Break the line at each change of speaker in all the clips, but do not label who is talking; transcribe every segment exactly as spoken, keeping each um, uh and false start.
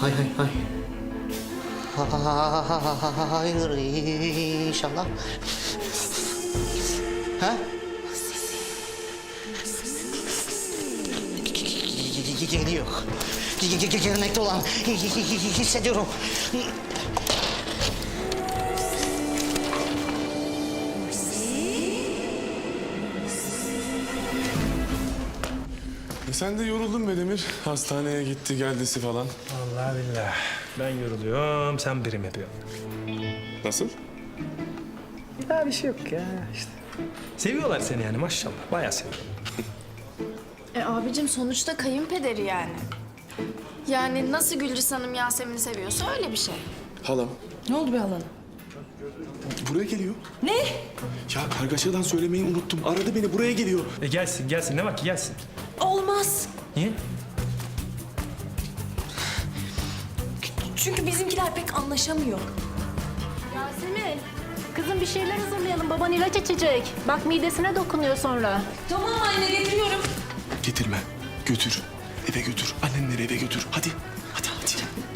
hay hay hay. Hayır inşallah. Ha? Geliyor. Gelmekte olan hissediyorum.
E sen de yoruldun be Demir. Hastaneye gitti geldisi falan.
Vallahi billahi. Ben yoruluyorum, sen birim yapıyorsun.
Nasıl?
Ya bir şey yok ya işte. Seviyorlar seni yani maşallah. Bayağı seviyorlar.
E abicim sonuçta kayınpederi yani. Yani nasıl Gülriz Hanım Yasemin'i seviyorsa öyle bir şey.
Halam
Ne oldu be halana?
buraya geliyor.
Ne?
Ya kargaşadan söylemeyi unuttum. Aradı beni, buraya geliyor.
E gelsin, gelsin. Ne var ki gelsin.
Olmaz.
Niye?
Çünkü bizimkiler pek anlaşamıyor.
Yasemin, kızım bir şeyler hazırlayalım. Baban ilaç içecek. Bak midesine dokunuyor sonra.
Tamam anne getiriyorum.
Getirme, götür. Eve götür, annenleri eve götür. Hadi, hadi, hadi.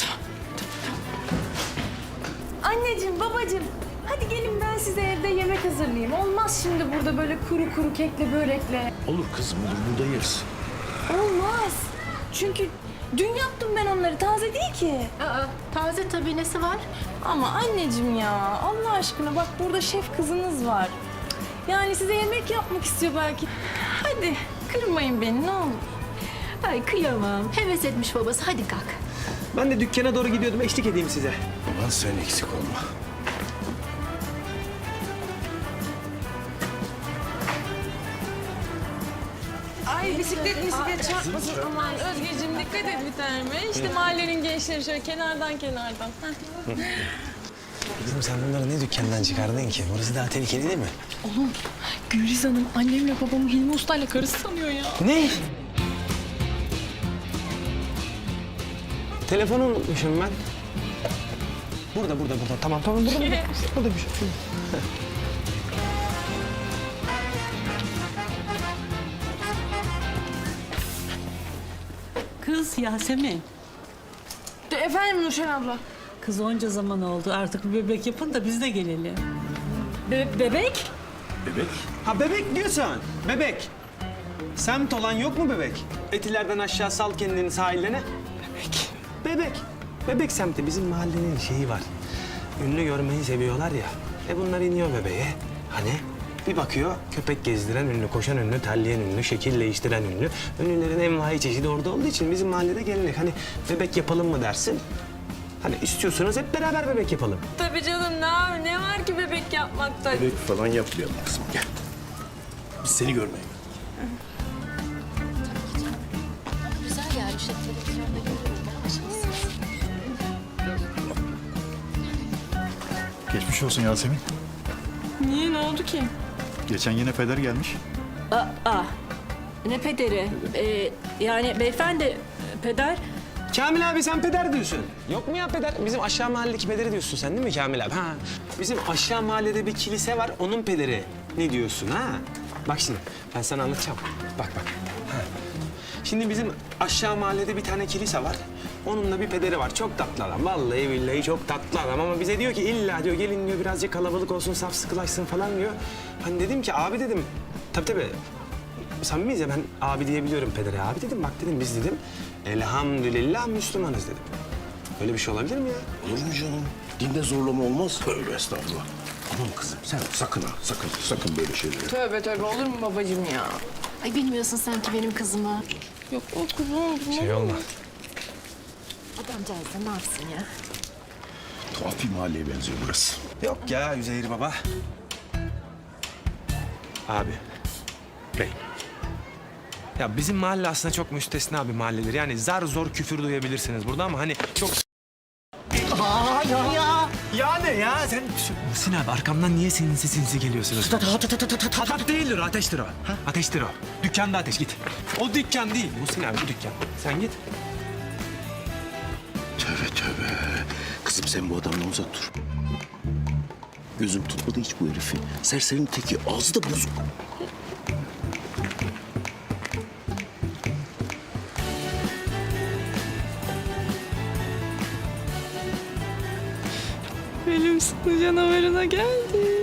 Anneciğim, babacığım. Hadi gelin ben size evde yemek hazırlayayım. Olmaz şimdi burada böyle kuru kuru kekle börekle.
Olur kızım olur, burada yeriz.
Olmaz. Çünkü dün yaptım ben onları. Taze değil ki.
Aa, taze tabii nesi var?
Ama anneciğim ya Allah aşkına bak burada şef kızınız var. Yani size yemek yapmak istiyor belki. Hadi kırmayın beni ne olur.
Ay kıyamam. Heves etmiş babası. Hadi kalk.
Ben de dükkana doğru gidiyordum. Eşlik edeyim size.
Aman sen eksik olma.
Ay bisiklet bisiklet çarpmasın aman Özgeciğim dikkat et bir tanem. İşte mahallenin gençleri şöyle kenardan kenardan. Heh.
Kızım sen bunları ne dükkandan çıkardın ki? Burası daha tehlikeli değil mi?
Oğlum Gülriz Hanım annemle babamı Hilmi Usta'yla karısı sanıyor ya.
Ne? Telefonu unutmuşum ben. Burada, burada, burada. Tamam, tamam. Burada, burada. Burada bir şey.
Kız Yasemin,
De, efendim Nurşen abla.
kız onca zaman oldu. Artık bir bebek yapın da biz de gelelim.
Be- bebek?
Bebek.
Ha bebek diyorsun. Bebek. Semt olan yok mu bebek? Etilerden aşağı sal kendini sahillerine. Bebek. Bebek. Bebek semti bizim mahallenin şeyi var. Ünlü görmeyi seviyorlar ya. E bunlar iniyor bebeğe. Hani bir bakıyor köpek gezdiren ünlü, koşan ünlü, terleyen ünlü, şekil değiştiren ünlü. Ünlülerin envai çeşidi orada olduğu için bizim mahallede gelenek. Hani bebek yapalım mı dersin? Hani istiyorsanız hep beraber bebek yapalım.
Tabii canım ne, var- ne var ki bebek yapmakta?
Bebek falan yapmayalım kızım, gel. Biz seni görmeye geldik.
Güzel yani işte televizyonda görüyorum.
Geçmiş olsun Yasemin.
Niye ne oldu ki?
Geçen yine peder gelmiş.
Aa, ne pederi? Ee, yani beyefendi, peder.
Kamil abi sen peder diyorsun. Yok mu ya peder? Bizim aşağı mahalledeki pederi diyorsun sen değil mi Kamil abi? Ha. Bizim aşağı mahallede bir kilise var, onun pederi. Ne diyorsun ha? Bak şimdi ben sana anlatacağım. Bak bak. Ha. Şimdi bizim aşağı mahallede bir tane kilise var. Onun da bir pederi var. Çok tatlı adam. Vallahi billahi çok tatlı adam. Ama bize diyor ki illa diyor gelin diyor birazcık kalabalık olsun, saf sıkılaşsın falan diyor. Hani dedim ki abi dedim. Tabii tabii. Samimiyiz ya ben abi diyebiliyorum pedere. Abi dedim bak dedim biz dedim elhamdülillah Müslümanız dedim. Öyle bir şey olabilir mi ya?
Olur mu canım? Dinde zorlama olmaz. Tövbe estağfurullah. Aman kızım sen sakın ha, sakın, sakın böyle şeyleri.
Tövbe tövbe olur mu babacığım ya?
Ay bilmiyorsun sen ki benim kızımı.
Yok o kuzum.
Şey olma.
Adamcağız da ne yapsın ya?
Tuhaf bir mahalleye benziyor burası.
Yok ya Üzeyir baba. Abi. Bey. Ya bizim mahalle aslında çok müstesna bir mahalledir. Yani zar zor küfür duyabilirsiniz burada ama hani çok...
Aa ya ya.
Ya ne ya sen... Muhsin abi arkamdan niye sinsi sinsi geliyorsunuz? Ateş değildir, ateştir o. Ateştir o. Dükkanda ateş git. O dükkan değil. Muhsin abi bu dükkan. Sen git.
Tövbe tövbe. Kızım sen bu adamdan uzak dur. Gözüm tutmadı hiç bu herifi. Serserinin teki, ağzı da bozuk.
Benim sonu canavarına geldi.